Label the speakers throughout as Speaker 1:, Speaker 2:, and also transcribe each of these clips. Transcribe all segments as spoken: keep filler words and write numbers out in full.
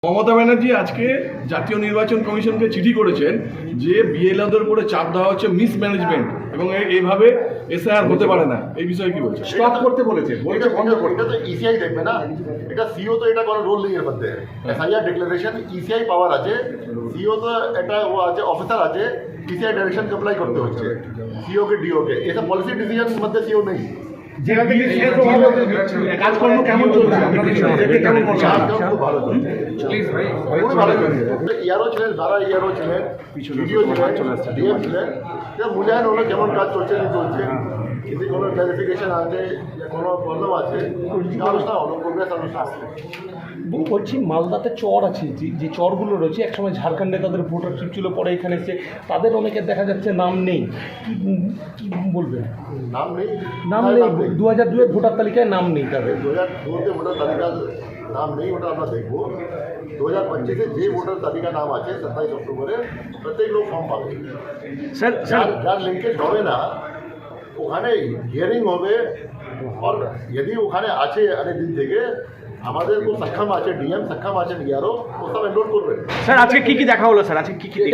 Speaker 1: মমতা ব্যানার্জি আজকে জাতীয় নির্বাচন কমিশনকে চিঠি করেছেন যে বিএলওদের উপরে চাপ দেওয়া হচ্ছে মিসম্যানেজমেন্ট এবং এইভাবে এসআইআর হতে পারে না। এই বিষয়ে কি বলছেন?
Speaker 2: স্টপ করতে বলেছে, বলতে বন্ধ করতে।
Speaker 3: এটা তো ইসিআই দেখবে না, এটা সিও তো এটা কোনো রোল নেই এর মধ্যে। এসআইআর ডিক্লারেশন ইসিআই পাওয়ার আছে, সিও তো এটা ও আছে, অফিসার আছে, ইসিআই ডাইরেকশন অ্যাপ্লাই করতে হচ্ছে সিও কে ডিও কে। এটা পলিসি ডিসিশন মধ্যে সিও নেই।
Speaker 2: যেটা থেকে কাজকর্ম কেমন চলছে?
Speaker 3: খুব ভালো চলছে, খুবই ভালো চলছে। ইয়ারও ছিলেন, যারা ইয়ারও ছিলেন, ভিডিও ছিলেন, ডিএম ছিলেন, মূল্যায়ন হলো কেমন কাজ চলছে না চলছে, যদি কোনো ক্লারিফিকেশন আছে, কোনো প্রবলেম আছে, আলোচনা হলো, প্রোগ্রেস আলোচনা আছে।
Speaker 4: বলছি মালদাতে চর আছে, যে যে চরগুলো রয়েছে একসময় ঝাড়খণ্ডে তাদের ভোটার চিপ ছিল, পরে এখানে এসে তাদের অনেকের দেখা যাচ্ছে নাম নেই। কি কি বলবেন?
Speaker 3: নাম নেই,
Speaker 4: নাম নেই, দু হাজার দুয়ের ভোটার তালিকায় নাম নেই তাদের।
Speaker 3: দু হাজার দুতে ভোটার তালিকা নাম নেই, ওটা আমরা দেখবো। দু হাজার পঁচিশে যে ভোটার তালিকা নাম আছে সাতাইশ অক্টোবরে প্রত্যেক লোক ফর্ম পাবে।
Speaker 4: স্যার
Speaker 3: যার যার লিঙ্কেজ হবে না ওখানে হিয়ারিং হবে, আর যদি ওখানে আছে অনেক দিন থেকে আমাদের খুব সক্ষম আছে, ডিএম সক্ষম আছেন, ইয়ারও ও সব এনরোল করবে।
Speaker 4: স্যার আজকে কি কি দেখা হলো? স্যার আজকে কি কি
Speaker 3: দেখিনি,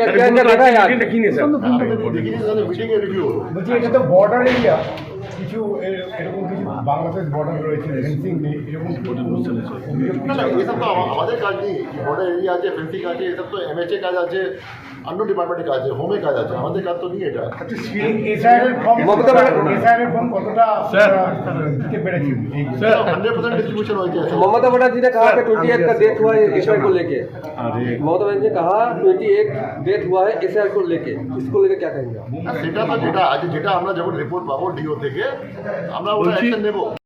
Speaker 3: মিটিংয়ে রিভিউ হলো।
Speaker 2: বলছি এটা তো বর্ডার এরিয়া, কিছু এ- এরকম কিছু বাংলাদেশ বর্ডার রয়েছে, ফেন্সিং নেই, এরকম
Speaker 3: না না, এসব তো আমা- আমাদের কাজ নেই। বর্ডার এরিয়া আছে, ফেন্সিং আছে, এসব তো এমএচএ কাজ আছে, অন্য ডিপার্টমেন্টের কাজ আছে, হোমে কাজ আছে, আমাদের কাজ তো নেই এটা।
Speaker 2: এসআইআর ফর্ম এসআইআর ফর্ম কতটা
Speaker 1: স্যার।
Speaker 2: দিতে পেরেছি?
Speaker 1: স্যার
Speaker 3: हंड्रेड परसेंट डिस्ट्रीब्यूशन हो गया।
Speaker 5: ममता बनर्जी ने कहा कि अट्ठाईस का डेथ हुआ है एसआईआर को लेके। ममता बनर्जी ने कहा अट्ठाईस डेथ हुआ है एसआईआर को लेके, इसको लेके क्या कहेंगे?
Speaker 3: সেটা তো যেটা আজ যেটা আমরা যখন রিপোর্ট পাবো ডিও থেকে আমরা ওটা অ্যাকশন নেব।